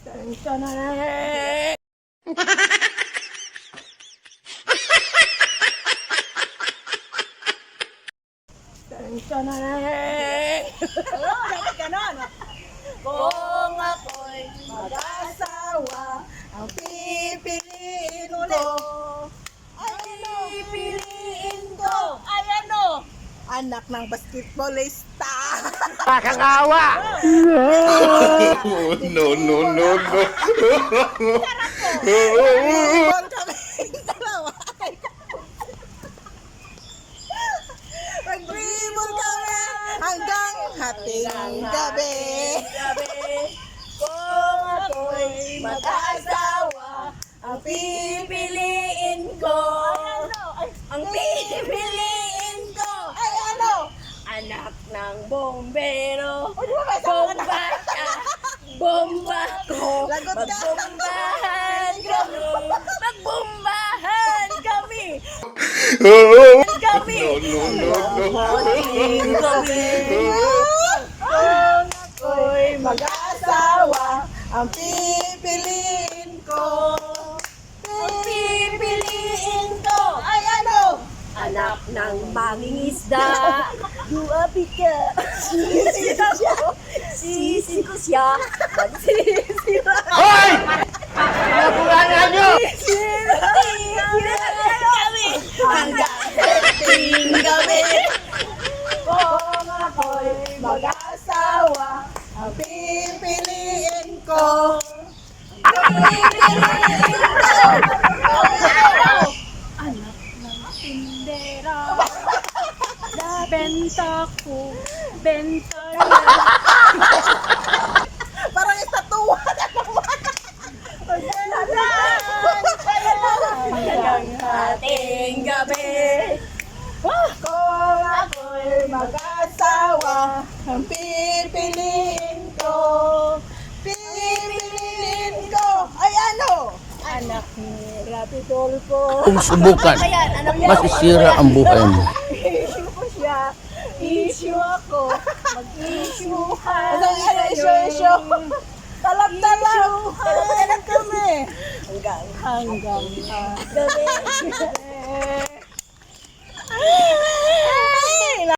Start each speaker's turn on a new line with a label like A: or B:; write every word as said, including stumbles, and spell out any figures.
A: Oo, dapat ganon. Kung ako'y mag-asawa, ang pipiliin ko, ang pipiliin ko, ay ano? Anak ng basketballista.
B: Nakakawa! No, no, no, no.
A: Ibon kami dalawa. Mag-ibon kami hanggang hating gabi. Kung ako'y mag-asawa, ang pipiliin ko, ang pipiliin ko, ay ano?
C: Anak ng bombero,
A: O, di ba may sama ka na?
C: bomba ka, bomba ko,
A: Lagot ka.
C: magbombahan kami, magbombahan kami, kami,
B: No, no, no, no.
C: magbombahan kami.
A: Kung ako'y mag-asawa, ang pipiliin ko,
C: Ang pipiliin ko,
A: ay ano?
C: anak ng mangingisda, duwapi ka, sisi ko, sisi ko siya, magsisi ko.
B: Hoy! Nakulangan nyo!
C: kami hanggang hating gabi.
A: Kung ako'y mag-asawa, ang pipiliin ko,
C: Pipiliin ko, anak ng tindera, benta ko, benta niya.
A: parang estatuwa na naman.
C: Hanggang hating gabi.
A: Kung ako'y mag-asawa, ang pipiliin ko, pipiliin ko, ay ano?
C: Anak ni Rapidolfo.
D: Kung subukan,
C: Ayan, anak niya.
D: masisira ang buhay mo.
C: Issue ko siya. Issue ako. Mag-issuehan.
A: Ano ano issue issue? Talab-talab. Talab-talab kami.
C: Hanggang
A: Hanggang
C: gabi.